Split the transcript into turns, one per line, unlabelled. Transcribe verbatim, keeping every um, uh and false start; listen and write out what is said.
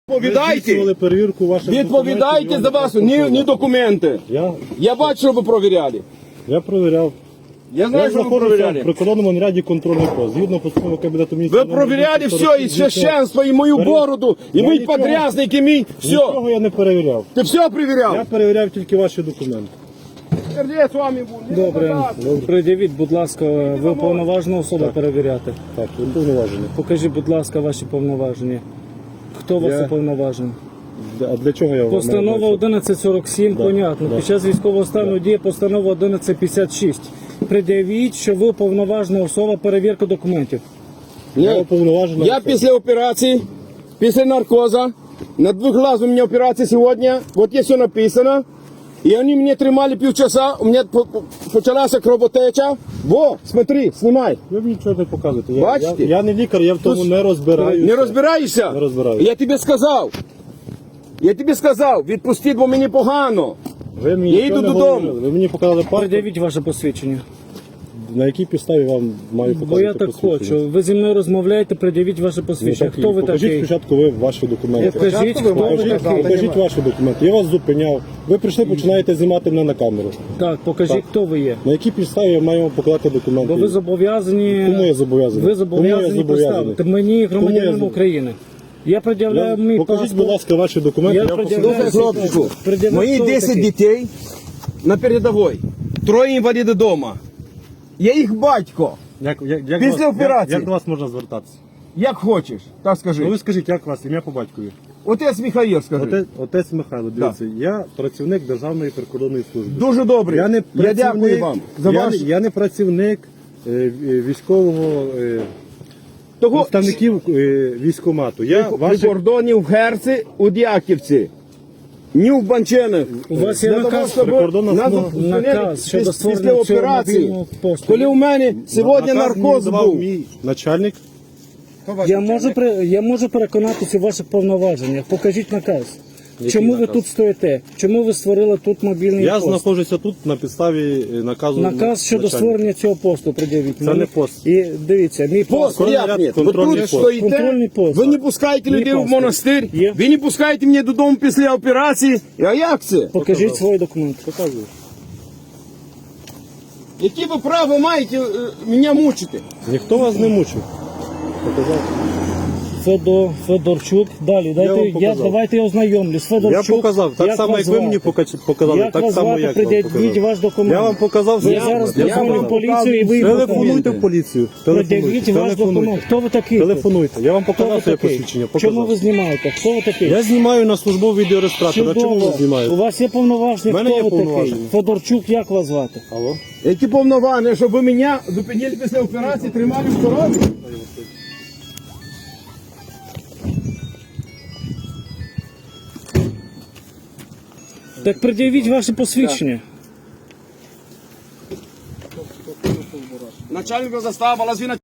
Відповідайте,
перевірку ваших
відповідайте за вас, ні, ні документи.
Я,
Я бачу, що ви провіряли.
я провіряв.
Я знаю,
Я
що ви
знаходився в
провіряли.
прикордонному наряді контрольний пост. Згідно постанови Кабінету міністрів.
Ви провіряли все, і священство, і мою бороду, і
Я
мій
нічого-
подрязник, і мій, все.
Нічого я не перевіряв.
Ти все
Я
перевіряв?
перевіряв тільки ваші документи.
Сердець вами був.
Добре, придивіть, будь ласка, ви повноважена особа перевіряти.
Так, він повноважений.
Покажіть, будь ласка, ваші повноваження. Хто вас
Я-
уповноважений?
А для чого я вам
Постанова
маю
одинадцять сорок сім,
Да,
понятно.
да.
Під час військового стану діє постанова одинадцять п'ятдесят шість. Пред'явіть, що ви уповноважена особа перевірки документів.
Я
Ні.
уповноважена
Я
особа.
після операції, після наркоза, на двух глаз у меня операция сегодня, вот здесь все написано, и они меня тримали полчаса, у меня по- по- почалась кровотеча. Во, смотри, снимай.
Ви мені нічого не показуєте. Я,
Бачите?
я, я не лікар, я в тому не розбираюся.
Не розбираєшся?
Не розбираюся.
Я тобі сказав. Я тобі сказав, відпустіть, бо мені погано.
Ви мені
Я
нічого
йду
не
додому.
говорили. Ви мені показали паспорт,
Пред'явіть ваше посвідчення.
на якій підставі вам маю показати
Бо я так
посвідчення?
хочу. Ви зі мною розмовляєте, пред'явіть ваше
Ну,
посвідчення.
так,
Хто ви
покажіть
такий?
спочатку ви ваші документи.
Покажіть, хто ви
Покажіть,
такий.
покажіть ваші документи. Я вас зупиняв. Ви прийшли, починаєте знімати мене на камеру.
Так, покажіть,
Так.
хто ви є.
На якій підставі я маю вам покладати документи?
Бо ви зобов'язані.
Кому я зобов'язаний?
Ви
Кому я
зобов'язані
зобов'язаний?
представити мені, громадянам
зоб-
України. Я пред'являю
Я-
мій
Покажіть,
паспорт.
будь ласка, ваші документи.
Я
Я,
пред'являю
покажу.
Слухай,
свій
хлопчику,
паспорт. Пред'являю,
мої
хто ви
десять
такий.
дітей на передовій, троє інваліди вдома. Я їх батько.
Як, як, як,
Після
вас,
операції.
Як, як до вас можна звертатися?
Як хочеш, так скажи.
Ну ви скажіть, як вас, ім'я по батькові?
Отець Михаїл, скажи.
Отець, отець Михайло, дивіться, я працівник Державної прикордонної служби.
Дуже добре.
Я не
Я
працівник,
дякую вам за
я,
ваш...
не- я не працівник е, е, військового е,
Того...
представників е, військкомату. Я
При
ваші...
кордоні в Герці, у Дяківці, ні в Банченах.
У вас є
Для того,
наказ,
щоб
прикордонна
нас
служба.
зупинили
наказ щодо
піс-
створення
після
цього
операції.
мобільного посту.
Коли у мене сьогодні
Наказ мені
наркоз
давав
був.
мій начальник.
Я можу, при- я можу переконатися у ваших повноваженнях. Покажіть наказ. Чому ви
наказ?
тут стоїте? Чому ви створили тут мобільний
Я
пост?
знаходжуся тут на підставі е, наказу
Наказ щодо
начальника.
створення цього посту пред'явіть.
Це
мені.
не пост.
І дивіться, мій
Пост,
пост.
Контрольний
як
ряд,
ні? Ви
контрольний
тут
пост.
стоїте,
Контрольний пост.
ви не пускаєте
Мій
людей в
паспорт.
монастир,
Є.
ви не пускаєте мене додому після операції. А як це?
Покажіть свої документи.
Показую.
Які ви право маєте е, мене мучити?
Ніхто вас не мучив. Показав.
Федор, Федорчук. Далі, дайте,
вам
я,
показав.
давайте я ознайомлюсь. Федорчук.
Я показав, так само,
вас
як ви мені
звати?
покач- показали,
Як
так
вас
само,
звати?
як вам
Пред'явіть
показав.
ваш документ.
Я вам показав,
Я
що-
зараз
Я
позвоню
вам
в поліцію і ви
Телефонуйте в
покажете.
поліцію.
Пред'явіть ваш документ. Хто ви такий?
Телефонуйте. Я вам
Хто ви
показав своє
такий?
посвідчення.
Чому ви
Показав.
знімаєте? Хто ви такий?
Я знімаю на службовий відеореєстратор. А чому ви
Чудово. У
знімаєте?
вас є повноваження,
В мене
хто
є
ви такий?
повноваження.
Федорчук, як вас звати?
Алло?
Які повноваження, щоб ви мене зупинили після операції, тримали в сторонці?
Так пред'явіть ваше посвідчення.
Начальник застава, лазвіна.